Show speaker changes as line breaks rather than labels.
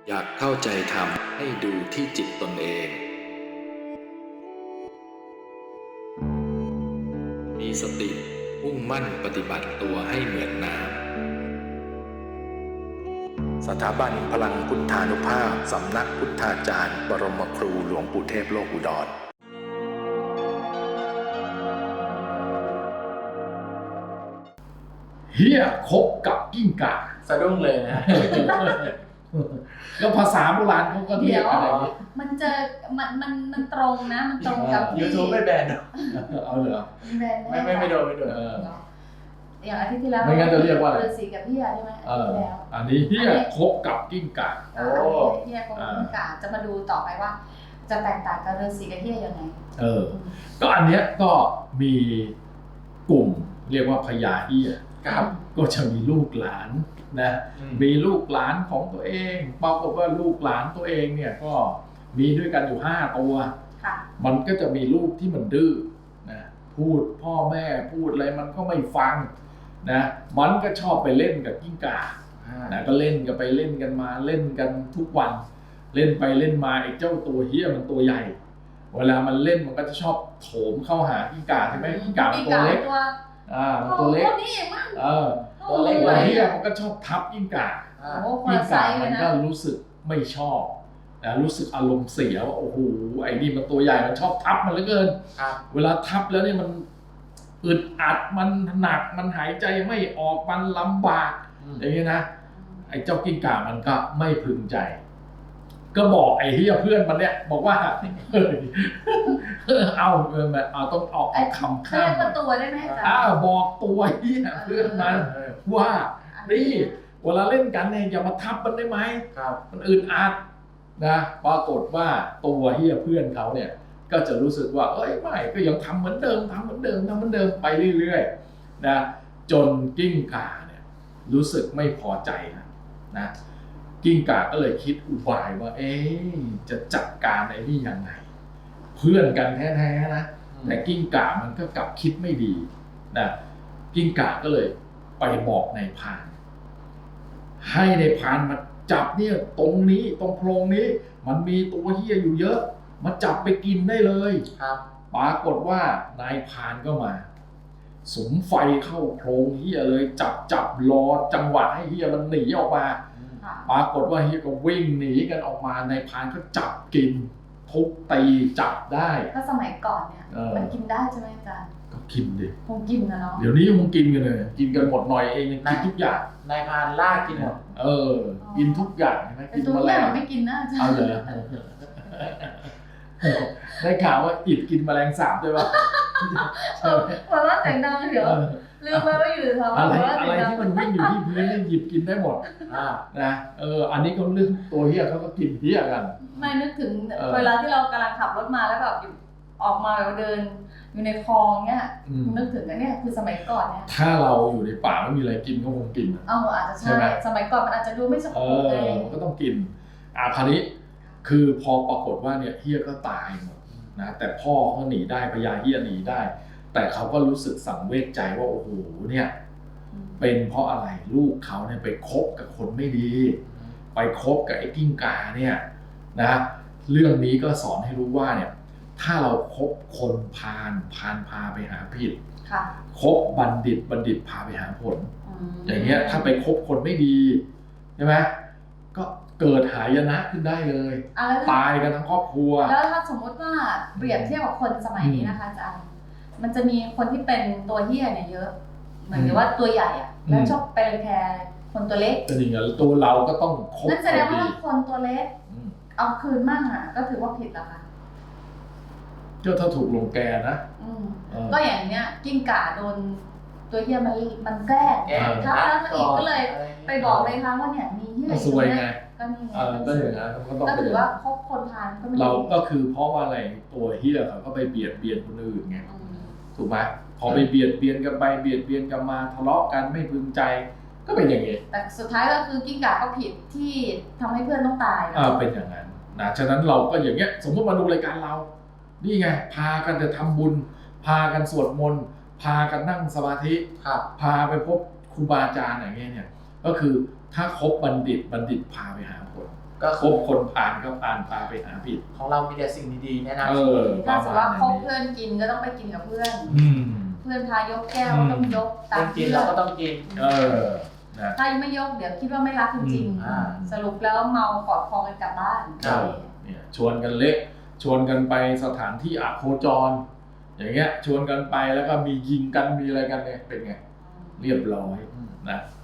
อยากเข้าใจธรรมให้ดูที่จิตตนเอง มีสติมุ่งมั่นปฏิบัติตัวให้เหมือนน้ำสถาบันพลังพุทธานุภาพสำนักพุทธาจารย์บรมครูหลวงปู่เทพโลกอุดร
เฮียคบกับกิ้งก่า
สะดุ้งเลยนะ
แล้วภาษาโบราณเขาก็เรียกอะไรอย่างนี้
มันตรงนะ มันตรงกับ
YouTube ไม่แบนหรอ
เอาเหรอ
แบน
ไม่โดน
อย่างอาทิตย์ที่แล้ว
ไม่งั้นจะเรียกว่าอะไร
ฤาษีกับพี่ยาใช่ไหมอาทิตย์ที่แล้ว
อันนี้เฮียคบกับกิ้งก่า
อันนี้พี่ยาคงกิ้งก่าจะมาดูต่อไปว่า จะแตกต่างกับฤาษีกับพี่ยายังไง
ก็อันเนี้ยก็มีกลุ่มเรียกว่าพญาเฮีย
ครับ
ก็จะมีลูกหลานนะมีลูกหลานของตัวเองปรากฏว่าลูกหลานตัวเองเนี่ยก็มีด้วยกันอยู่5 ตัว
ค่ะ
มันก็จะมีลูกที่มันดื้อนะพูดพ่อแม่พูดอะไรมันก็ไม่ฟังนะมันก็ชอบไปเล่นกับกิ้งก่านะก็เล่นกันไปเล่นกันมาเล่นกันทุกวันเล่นไปเล่นมาไอ้เจ้าตัวเฮี้ยมันตัวใหญ่เวลามันเล่นมันก็จะชอบโถมเข้าหากิ้งก่าใช่ไหมกิ้งก่ามันตัวเล็กมันตัวเล็กตัวเล็กตัวเฮี้ยมันก็ชอบทับกิ้งก่ากิ้งก่ามันก็รู้สึกไม่ชอบนะรู้สึกอารมณ์เสียว่าโอ้โหไอ้นี่มันตัวใหญ่มันชอบทับมันเหลือเกินเวลาทับแล้วนี่มันอึดอัดมันหนักมันหายใจไม่ออกมันลำบากอย่างนี้นะไอ้เจ้ากิ้งก่ามันก็ไม่พึงใจก็บอกไอ้เฮียเพื่อนมันเนี่ยบอกว่าเอาต้องออกคำข้าม
เรียกว่าตัวได้ไหมจ๊ะ
บอกตัวเฮียเพื่อนมันว่านี่เวลาเล่นกันเนี่ยอย่ามาทับมันได้ไหมมันอึดอัดนะปรากฏว่าตัวเฮียเพื่อนเขาเนี่ยก็จะรู้สึกว่าเอ้ยไม่ก็ยังทำเหมือนเดิมไปเรื่อยๆนะจนกิ้งก่าเนี่ยรู้สึกไม่พอใจนะกิ้งก่าก็เลยคิดอุบายว่าจะจัดการไอ้นี่ยังไงเพื่อนกันแท้ๆนะแต่กิ้งก่ามันก็กลับคิดไม่ดีนะกิ้งก่าก็เลยไปบอกนายพรานให้นายพรานมาจับเนี่ยตรงนี้ตรงโพรงนี้มันมีตัวเหี้ยอยู่เยอะมาจับไปกินได้เลยปรากฏว่านายพรานก็มาสุมไฟเข้าโพรงเหี้ยเลยจับรอจังหวะให้เหี้ยมันหนีออกมาปรากฏว่าเหี้ยก็วิ่งหนีกันออกมานายพรานก็จับกินทุบตีจับได้
ถ้าสมัยก่อนเนี่ยมันกินได้ใช่ไหมอาจารย์
ก็กินดิ
คงกินนะเนาะ
เดี๋ยวนี้คงกินกันเลยกินกันหมดหน่อยเองยังกินทุกอย่าง
นายพรานล่ากินหมด
กินทุกอย่างใช่ไหม
กินแมลงไม่กินนะอาจารย์
เอาเลยได้ข่าวว่าอิดกินแมลงสาบด้วยป่ะ
หัวเราะเสียงดังเดี๋ยวลืมไปว่าอยู่แถว
อะไรที่มันวิ่งอยู่ที่พื้นนี่หยิบกินได้หมดนะอันนี้ก็เรื่องตัวเหี้ยเขาก็กินเหี้ยกัน
ไม่นึกถึงเวลาที่เรากำลังขับรถมาแล้วแบบออกมาแบบเดินอยู่ในคลองเนี่ยนึกถึงกันเนี่ยคือสมัยก่อนเนี่ย
ถ้าเราอยู่ในป่าไม่มีอะไรกินก็คงกิน
อาจจะใช่สมัยก่อนมันอาจจะดูไม่สมบูรณ์เลย
มันก็ต้องกินคราวนี้คือพอปรากฏว่าเนี่ยเฮียก็ตายหมดนะแต่พ่อเขาหนีได้พญาเฮียหนีได้แต่เขาก็รู้สึกสังเวชใจว่าโอ้โหเนี่ยเป็นเพราะอะไรลูกเขาเนี่ยไปคบกับคนไม่ดีไปคบกับไอ้กิ้งก่าเนี่ยนะเรื่องนี้ก็สอนให้รู้ว่าเนี่ยถ้าเราคบคนพาลพาไปหาผิดคบบัณฑิตพาไปหาผลอย่างเงี้ยถ้าไปคบคนไม่ดีใช่ไหมก็เกิดหายนะขึ้นได้เลยตายกันทั้งครอบครัว
แล้วถ้าสมมติว่าเปรียบเทียบกับคนสมัยนี้นะคะอาจารย์มันจะมีคนที่เป็นตัวเหี้ยเนี่ยเยอะเหมือนกับว่าตัวใหญ่อะแล้วชอบไปรังแกคนตัวเล็ก
แต่จริงๆตัวเราก็ต้องคบ
นั่นแสดงว่าคนตัวเล็กเอาคืนมั่งอะก็ถือว่าผิดแล้วค่ะ
ก็ถ้าถูกลงแกนะ
ก็อย่างเนี้ยกิ้งก่าโดนตัวเหี้ยมันแกล้งถ้าอีกก็เลยไปบอกเลยค่ะว่าเนี่ยมีเหี้ย
สวยไง
ก็นี่ไง
ก็อย่างนั้น
ก็ถือว่าคบคนพาลก็ไม่
เราก็คือเพราะว่าอะไรตัวเหี้ยเขาก็ไปเบียดเบียนคนอื่นไงถูกไหมพอไปเบียดเบียนกันไปเบียดเบียนกันมาทะเลาะกันไม่พึงใจก็เป็นอย่างนี้
แต่สุดท้ายก็คือกิ้งก่าก็ผิดที่ทำให้เพื่อนต้องตาย
เป็นอย่างนั้นนะฉะนั้นเราก็อย่างเงี้ยสมมติมาดูรายการเรานี่ไงพากันจะทำบุญพากันสวดมนต์พากันนั่งสมาธิพาไปพบครูบาอาจารย์อย่างเงี้ยเนี่ยก็คือถ้าคบบัณฑิตพาไปหาผล
ก็
คบคนผ่านก็ผ่านพาไปหาผิด
ของเรามีแต่สิ่งดีๆแนะนำ
ถ้าสมมติว่าคบเพื่อนกินก็ต้องไปกินกับเพื่อน
อืม
เพื่อนพายกแก้วก็ต้องยกตาม
กิน
เพื่
เรา
อน
ก็ต้องกิน
นะ
ถ้าไม่ยกเดี๋ยวคิดว่าไม่รักจริง
อ่า
ๆสรุปแล้วเมากอดคอกันกลับบ้าน
ครับ
เนี่ยชวนกันเละชวนกันไปสถานที่อโคจร อย่างเงี้ยชวนกันไปแล้วก็มียิงกันมีอะไรกันเนี่ยเป็นไง เรียบร้อยนะ